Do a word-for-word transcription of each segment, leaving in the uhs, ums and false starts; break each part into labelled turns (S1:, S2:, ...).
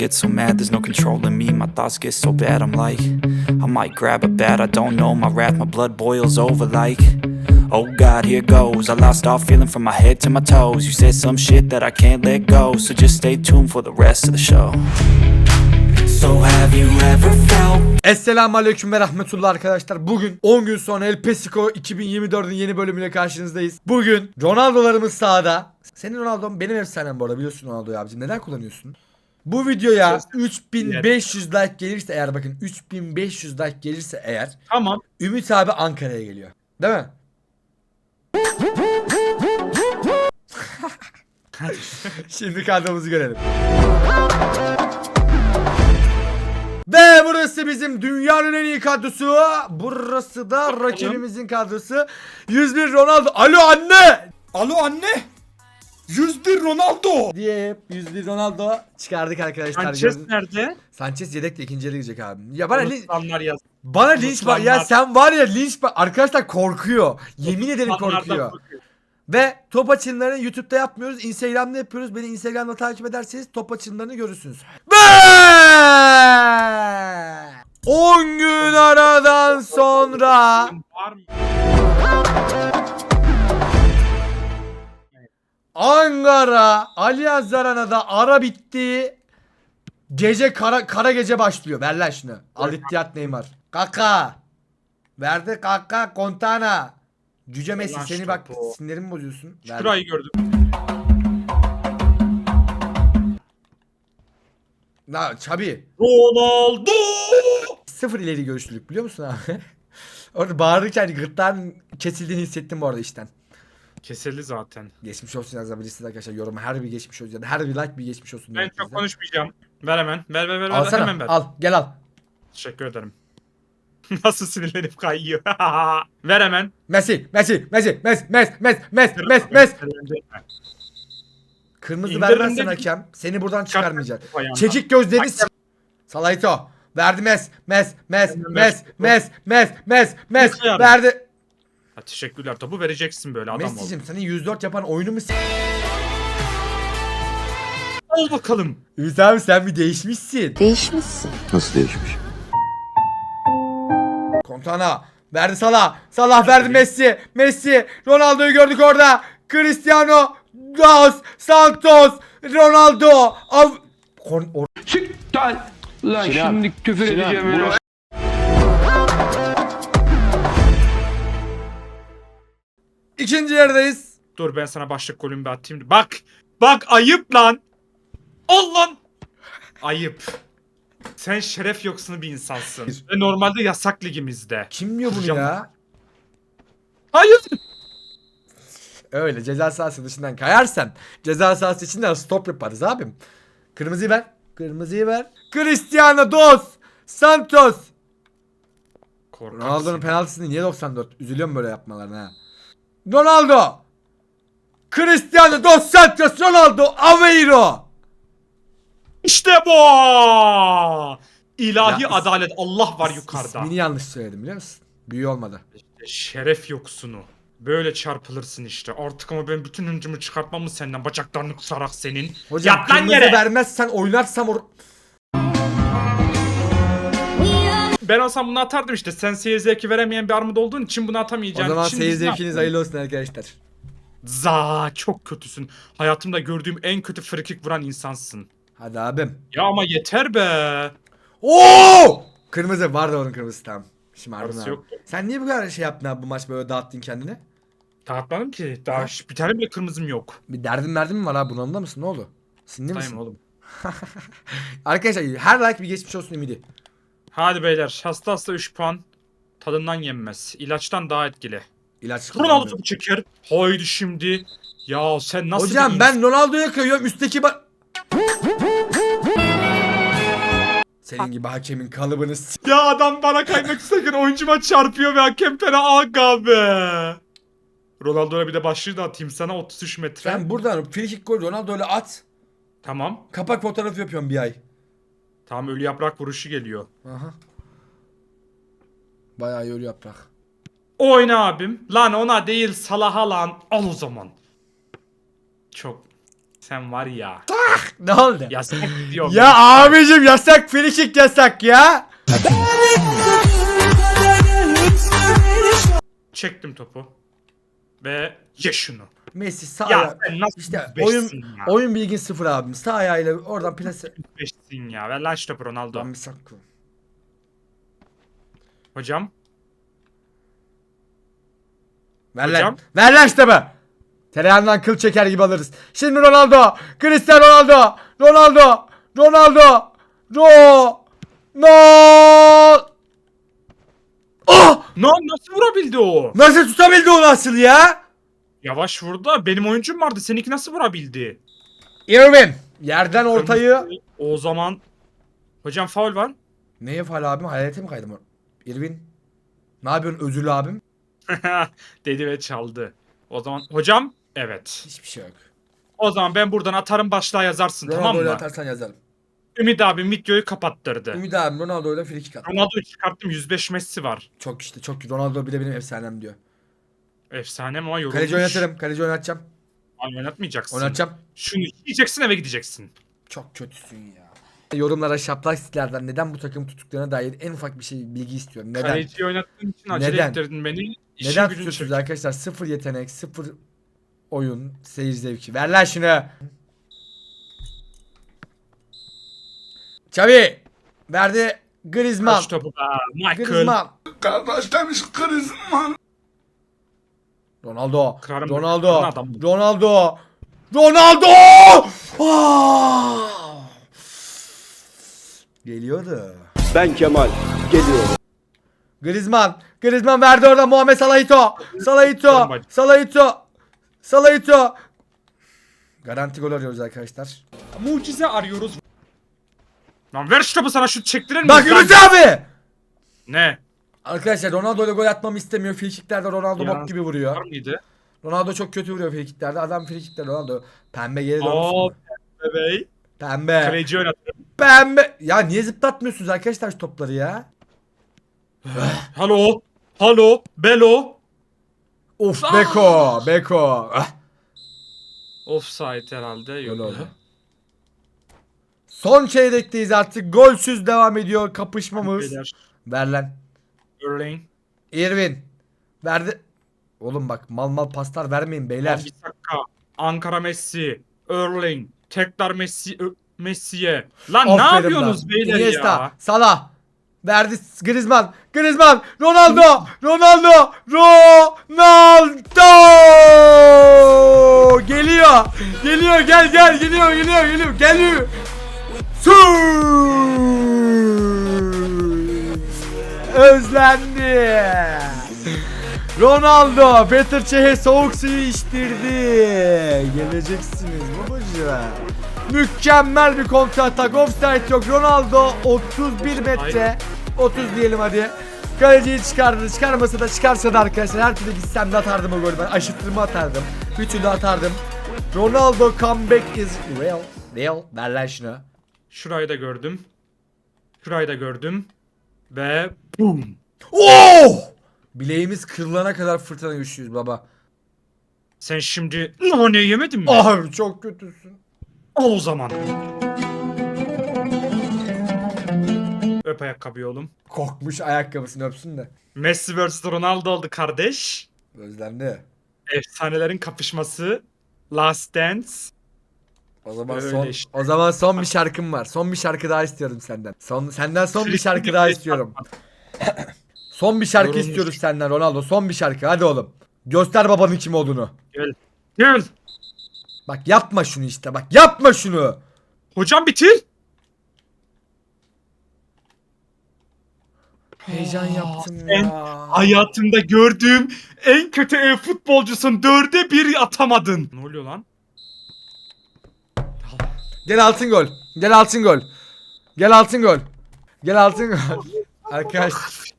S1: get so mad, there's no controlling me. My thoughts get so bad, I'm like, I might grab a bat, I don't know. My wrath, my blood boils over like, oh God, here goes. I lost all feeling from my head to my toes. You said some shit that I can't let go, so just stay tuned for the rest of the show. So have you ever felt?
S2: Esselamu Aleyküm ve Rahmetullah arkadaşlar. Bugün on gün sonra El Pesico iki bin yirmi dördün yeni bölümüyle karşınızdayız. Bugün Ronaldo'larımız sahada. Senin Ronaldo'm benim efsanem bu arada, biliyorsun Ronaldo'yu abicim. Neden kullanıyorsun? Bu videoya üç bin beş yüz like gelirse eğer, bakın üç bin beş yüz like gelirse eğer,
S3: tamam,
S2: Ümit abi Ankara'ya geliyor. Değil mi? Şimdi kadromuzu görelim. Ve burası bizim dünyanın en iyi kadrosu. Burası da rakibimizin kadrosu. yüz bir Ronaldo. Alo anne.
S3: Alo anne. yüz bir Ronaldo
S2: diye yüz bir Ronaldo çıkardık arkadaşlar.
S3: Sanchez
S2: Gördün.
S3: nerede?
S2: Sanchez yedekle ikinci yere gidecek abi. Ya bana linç,
S3: yaz.
S2: bana linç var. Ya sen var ya linç var. Arkadaşlar korkuyor. Yemin ederim korkuyor.
S3: korkuyor. Ve
S2: top açımlarını YouTube'da yapmıyoruz. Instagram'da yapıyoruz. Beni Instagram'da takip ederseniz top açımlarını görürsünüz. on gün aradan sonra Ankara Allianz Arena'da ara bitti. Gece kara kara gece başlıyor. Ver lan şunu. Al ihtiyat Neymar. Kaka. Verdi kaka Kontana. Cüce Messi
S3: Lan
S2: seni bak
S3: bu.
S2: sinirimi bozuyorsun.
S3: Şurayı gördüm.
S2: Na Çabi.
S3: Ronaldo.
S2: Sıfır ileri görüşlülük biliyor musun abi? Orada bağırırken gırtlağın kesildiğini hissettim bu arada işten.
S3: Kesildi zaten.
S2: Geçmiş olsun yazabilirsiniz arkadaşlar, yoruma her bir geçmiş olsun ya da her bir like bir geçmiş olsun.
S3: Ben çok konuşmayacağım. Ver hemen. Ver ver ver.
S2: Alsana,
S3: hemen ver.
S2: al gel al.
S3: Teşekkür ederim. Nasıl sinirlenip kayıyor. Ver hemen.
S2: Messi, Messi, Messi, Messi, Messi, Messi, Messi, Messi, Messi. Kırmızı
S3: İndirimde
S2: vermezsen
S3: değil.
S2: hakem seni buradan çıkarmayacak.
S3: Ayağına.
S2: Çekik gözlerini s- Salayto. Verdi Mes, Mes, Mes, Mes, Mes, Mes, Mes, Mes,
S3: Mes
S2: verdi.
S3: Ha, teşekkürler. Topu vereceksin böyle adam ol.
S2: Messi'cim senin yüz dört yapan oyunu mu s-
S3: Ol bakalım.
S2: Ümit abi sen bir değişmişsin.
S4: Değişmişsin.
S5: Nasıl değişmiş?
S2: Kontana verdi Salah. Salah verdi Messi. Messi. Ronaldo'yu gördük orada. Cristiano Dos Santos. Ronaldo. Av Kon or
S6: Siktir lan şimdi küfür edeceğim öyle.
S2: İkinci yerdeyiz.
S3: Dur ben sana başlık golümü bir atayım. Bak. Bak ayıp lan. Ol lan. Ayıp. Sen şeref yoksunu bir insansın. Ve normalde yasak ligimizde.
S2: Kim diyor bunu
S3: Hocam.
S2: ya?
S3: Hayır.
S2: Öyle ceza sahası dışından kayarsan ceza sahası içinden stop yaparız abim. Kırmızıyı ver. Kırmızıyı ver. Cristiano Dos Santos. Ronaldo'nun
S3: Korkaksın.
S2: penaltısını niye doksan dört? Üzülüyorum böyle yapmalarına ha. Ronaldo. Cristiano Dos Santos. Ronaldo Aveiro.
S3: İşte bu. İlahi
S2: Ya, is-
S3: adalet. Allah var yukarıda.
S2: İsmini yanlış söyledim biliyor musun? Büyü olmadı.
S3: Şeref yoksunu. Böyle çarpılırsın işte. Artık ama ben bütün hıncımı çıkartmam mı senden? Bacaklarını kısarak senin.
S2: Hocam
S3: Yat lan
S2: kırmızı
S3: yere.
S2: vermezsen oynarsam or...
S3: Ben olsam bunu atardım işte. Sen seyir zevki veremeyen bir armut olduğun için bunu
S2: O
S3: atamayacaksın.
S2: zaman
S3: Şimdi
S2: seyir
S3: biz ne
S2: zevkiniz
S3: yapalım?
S2: hayırlı olsun arkadaşlar.
S3: Za çok kötüsün. Hayatımda gördüğüm en kötü frikik vuran insansın.
S2: Hadi abim.
S3: Ya ama yeter be.
S2: Oo! Kırmızı vardı onun kırmızısı tamam. Şımardın
S3: Arası
S2: abi.
S3: yoktu.
S2: Sen niye bu kadar şey yaptın abi bu maç böyle dağıttın kendini?
S3: Dağıtmadım ki. Daha hiç- bir tane bile kırmızım yok.
S2: Bir derdin derdin mi var abi, bunalımda mısın, ne oldu? Sinirli misin?
S3: Dayım oğlum.
S2: Arkadaşlar her like bir geçmiş olsun ümidi.
S3: Hadi beyler. Hasta hasta üç puan. Tadından yenmez. İlaçtan daha etkili.
S2: İlaç
S3: Ronaldo
S2: kullanmıyorum.
S3: topu çeker. Haydi şimdi. Ya sen nasıl
S2: Hocam
S3: bir
S2: ben Ronaldo'ya kayıyorum üstteki ba... Senin gibi hakemin kalıbını s-
S3: Ya adam bana kaymak isterken oyuncuma çarpıyor ve hakem fena aga be. Ronaldo'ya bir de başlığı da atayım sana otuz üç metre.
S2: Sen buradan free kick gol Ronaldo'yla at.
S3: Tamam.
S2: Kapak fotoğrafı yapıyorum bir ay.
S3: Tamam ölü yaprak vuruşu geliyor.
S2: Aha. Bayağı iyi ölü yaprak.
S3: Oyna abim. Lan ona değil Salah'a lan. Al o zaman. Çok. Sen var ya.
S2: Ne oldu?
S3: Yasak diyorum.
S2: Ya abicim yasak, frikik yasak ya.
S3: Çektim topu. Ve ye şunu.
S2: Messi sağ
S3: Ya
S2: ayağı-
S3: sen nasıl
S2: işte
S3: beşsin
S2: oyun
S3: ya?
S2: oyun bilgin sıfır abim. Sağ ayağıyla oradan plase.
S3: Beşsin ya. Ver lan şu topu Ronaldo.
S2: Lan bir sakın.
S3: Hocam.
S2: Ver lan.
S3: Hocam?
S2: Ver lan işte be. Tereyağından kıl çeker gibi alırız. Şimdi Ronaldo. Cristiano Ronaldo. Ronaldo. Ronaldo. Ro. No. Oh!
S3: No, nasıl vurabildi o?
S2: Nasıl tutabildi o nasıl ya?
S3: Yavaş vurdu da benim oyuncum vardı. Seninki nasıl vurabildi?
S2: Irvin. Yerden ortayı.
S3: O zaman hocam faul var.
S2: Neye faal abim? Hayalete mi kaydım? Irvin. Ne yapıyorsun özürlü abim?
S3: Dedi ve çaldı. O zaman hocam evet.
S2: Hiçbir şey yok.
S3: O zaman ben buradan atarım başlığa yazarsın tamam
S2: Ronaldo'yu
S3: mı?
S2: atarsan yazarım.
S3: Ümit abi videoyu kapattırdı.
S2: Ümit abim Ronaldo'yla frikik attı.
S3: Ronaldo'yu çıkarttım yüz beş Messi var.
S2: Çok işte çok. Ronaldo bile benim efsanem diyor.
S3: Efsane ama yorulmuş.
S2: Kaleci oynatırım. Kaleci oynatacağım.
S3: Ay, oynatmayacaksın.
S2: Oynatacağım.
S3: Şunu yiyeceksin eve gideceksin.
S2: Çok kötüsün ya. Yorumlara şaplak sitelerden neden bu takım tuttuklarına dair en ufak bir şey bilgi istiyorum. Neden?
S3: Kaleciyi oynattığın için acele
S2: Neden?
S3: ettirdin beni. İşin
S2: Neden
S3: gücün
S2: tutuyorsunuz
S3: çek.
S2: arkadaşlar? Sıfır yetenek, sıfır oyun, seyir zevki. Ver lan şunu. Xavi verdi. Griezmann.
S3: Kaç topu be Michael.
S2: Griezmann.
S6: Kardeş demiş Griezmann.
S2: Ronaldo.
S3: Kırarım
S2: Ronaldo.
S3: ben. Adam.
S2: Ronaldo. Ronaldo. Ah! Geliyordu.
S4: Ben Kemal geliyorum.
S2: Griezmann. Griezmann verdi orada Muhammed Salahito. Salahito. Salahito. Salahito. Garanti gol arıyoruz arkadaşlar.
S3: Mucize arıyoruz. Lan ver şu topu sana şut çektirir miyiz?
S2: Bak
S3: lan?
S2: Ümit abi.
S3: Ne?
S2: Arkadaşlar Ronaldo ile gol atmamı istemiyor. Frikiklerde Ronaldo
S3: Ya,
S2: bok gibi vuruyor.
S3: Var mıydı?
S2: Ronaldo çok kötü vuruyor frikiklerde. Adam frikiklerde Ronaldo. Pembe geri
S3: Oo
S2: dönmüş.
S3: bebeği.
S2: Pembe.
S3: Kaleci oynatırım.
S2: Pembe. Ya niye zıplatmıyorsunuz arkadaşlar şu topları ya?
S3: Halo. Halo. Belo.
S2: Of
S3: Ah!
S2: Beko. Beko. Ah.
S3: Offside herhalde. Yok.
S2: Gol oldu. Son çeyrekteyiz artık. Golsüz devam ediyor kapışmamız.
S3: Beyler.
S2: Ver lan.
S3: Erling.
S2: Irvin. Verdi. Oğlum bak mal mal paslar vermeyin beyler.
S3: Wan-Bissaka. Ankara Messi. Erling. Tekrar Messi. Ö- Messi'ye. Lan ne
S2: Aferin
S3: yapıyorsunuz
S2: lan.
S3: beyler
S2: Iniesta,
S3: ya?
S2: Salah. Verdi Griezmann. Griezmann. Ronaldo. Ronaldo. Ronaldo. Geliyor. Geliyor. Gel gel. Geliyor. Geliyor. Geliyor. Geliyor. Su. Özlendi. Ronaldo Peter Çeh'e soğuk suyu içtirdi. Geleceksiniz babacığım. Mükemmel bir kontra atak. Offside yok. Ronaldo otuz bir metre. otuz diyelim hadi. Kaleciyi çıkardı. Çıkarmasa da çıkarsa da arkadaşlar her türlü gitsem de atardım o golü ben. Aşıttırma atardım. Bir türlü atardım. Ronaldo comeback is real. Real. Ver lan şunu.
S3: Şurayı da gördüm. Şurayı da gördüm. Ve boom.
S2: Oh! Bileğimiz kırılana kadar fırtına güçlüyüz baba.
S3: Sen şimdi ne yemedin mi?
S2: Abi çok kötüsün.
S3: Al o zaman. Öp ayakkabıyı oğlum.
S2: Korkmuş ayakkabısını öpsün de.
S3: Messi vs Ronaldo oldu kardeş.
S2: Özlendi.
S3: Efsanelerin kapışması. Last Dance.
S2: O zaman
S3: Öyle
S2: son
S3: işte.
S2: o zaman son bir şarkım var. Son bir şarkı daha istiyorum senden. Son senden son bir şarkı daha istiyorum. Son bir şarkı
S3: Yorulmuş.
S2: istiyoruz senden Ronaldo. Son bir şarkı. Hadi oğlum. Göster babanın kim olduğunu.
S3: Gel. Gel.
S2: Bak yapma şunu işte. Bak yapma şunu.
S3: Hocam bitir.
S2: Heyecan yaptım
S3: sen
S2: ya.
S3: Hayatımda gördüğüm en kötü ev futbolcusun. Dörde bir atamadın. Ne oluyor lan?
S2: Gel altın gol. Gel altın gol. Gel altın gol. Gel altın gol. Arkadaş.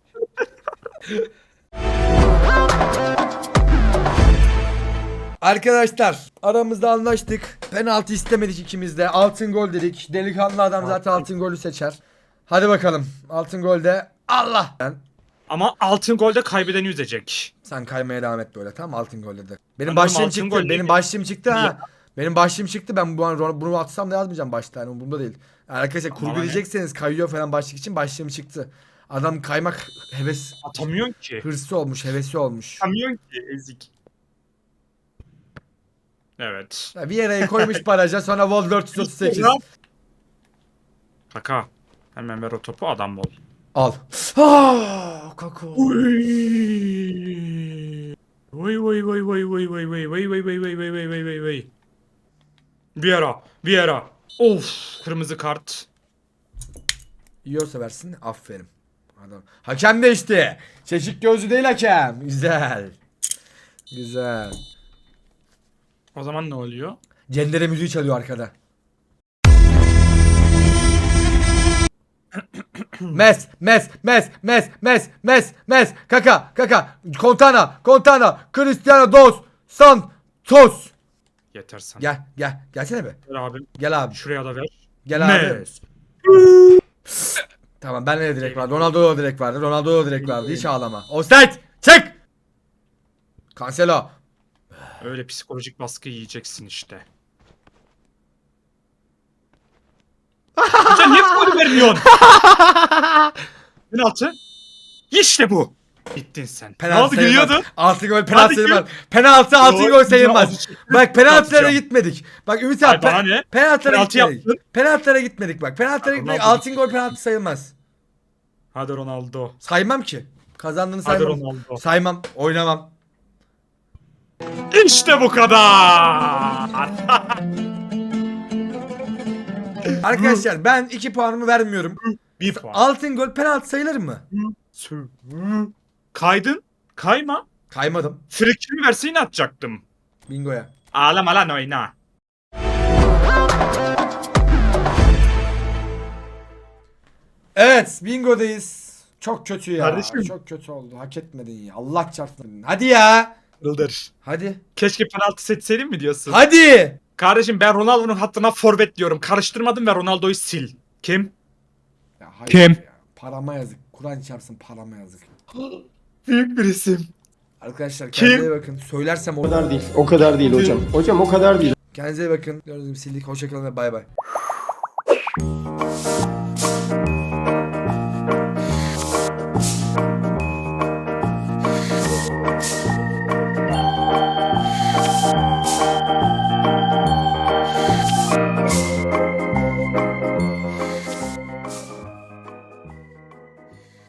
S2: Arkadaşlar aramızda anlaştık. Penaltı istemedik ikimiz de. Altın gol dedik. Delikanlı adam zaten altın golü seçer. Hadi bakalım. Altın golde Allah. Ben,
S3: Ama altın golde kaybedeni üzecek.
S2: sen kaymaya devam et böyle tamam altın golde de. Benim
S3: Anladım,
S2: başlığım
S3: altın
S2: çıktı.
S3: gol
S2: Benim
S3: neydi?
S2: başlığım çıktı ha. Benim başlığım çıktı. Ben bu an bunu atsam da yazmayacağım başta. Yani umurumda değil. Yani arkadaşlar kurgulayacaksanız kayıyor falan başlık için başlığım çıktı. Adam kaymak heves
S3: Atamıyorsun ki.
S2: hırsı olmuş, hevesi olmuş.
S3: Atamıyorsun ki ezik. Evet.
S2: Ya bir yere koymuş baraja sonra World dört yüz otuz sekiz.
S3: Kaka. Hemen ver o topu adam ol.
S2: Al. Ah, kako.
S3: Vay vay vay vay vay vay vay vay vay vay vay vay vay vay vay vay. Vieira, Vieira. Of, kırmızı kart.
S2: Yiyorsa versin. Aferin. Adam. Hakem değişti. Çeşik gözlü değil hakem. Güzel. Güzel.
S3: O zaman ne oluyor?
S2: Cendere müziği çalıyor arkada. Mes, mes, mes, mes, mes, mes, mes, kaka, kaka, Kontana, Kontana, Cristiano Dos Santos.
S3: Yeter sana.
S2: Gel, gel, gelsene be.
S3: Ver abim.
S2: Gel abi,
S3: Şuraya da ver.
S2: gel abi.
S3: Mes.
S2: Tamam, ben de direkt vardı. Ronaldo da direkt vardı. Ronaldo da direkt vardı. Hiç ağlama. Offside, çık. Cancelo.
S3: Öyle psikolojik baskı yiyeceksin işte. Sen niye faul vermiyorsun? Penaltı. İşte bu. Bittin sen.
S2: Penaltı
S3: ne oldu
S2: sayılmaz.
S3: gülüyordu?
S2: Altın gol penaltı
S3: Hadi
S2: sayılmaz. Penaltı altın
S3: Doğru,
S2: gol sayılmaz.
S3: doğru.
S2: Bak penaltılara
S3: Yapacağım.
S2: gitmedik. Bak Ümit
S3: Ay,
S2: abi
S3: bana
S2: pe-
S3: ne?
S2: penaltılara
S3: Penaltı
S2: gitmedik.
S3: yaptın.
S2: Penaltılara gitmedik bak. Penaltılara
S3: Ya,
S2: gitmedik.
S3: Ronaldo
S2: Altın gol penaltı sayılmaz.
S3: Hadi Ronaldo.
S2: Saymam ki. Kazandığını
S3: Hadi
S2: saymam.
S3: Ronaldo.
S2: Saymam. Oynamam.
S3: İşte bu kadar.
S2: Arkadaşlar ben iki puanımı vermiyorum.
S3: Bir puan.
S2: Altın gol penaltı sayılır mı?
S3: Kaydın. Kayma.
S2: Kaymadım.
S3: Frikini verse yine atacaktım.
S2: Bingoya.
S3: Ağlama lan oyna.
S2: Evet, bingodayız. Çok kötü ya.
S3: Kardeşim.
S2: Çok kötü oldu. Hak etmedin ya. Allah çarpsın. Hadi ya.
S3: Yıldır.
S2: Hadi.
S3: Keşke penaltı seçseydim mi diyorsun?
S2: Hadi.
S3: Kardeşim ben Ronaldo'nun hattına forvet diyorum. Karıştırmadım ve Ronaldo'yu sil. Kim?
S2: Ya hayır
S3: Kim?
S2: ya. Parama yazık. Kur'an çarpsın parama yazık.
S3: Büyük bir isim.
S2: Arkadaşlar
S3: Kim?
S2: kendinize iyi bakın. Söylersem
S4: O
S2: olur.
S4: kadar değil. O kadar değil hocam. Hocam o kadar değil.
S2: Kendinize iyi bakın. Gördüğünüz gibi sildik. Hoşçakalın ve bay bay.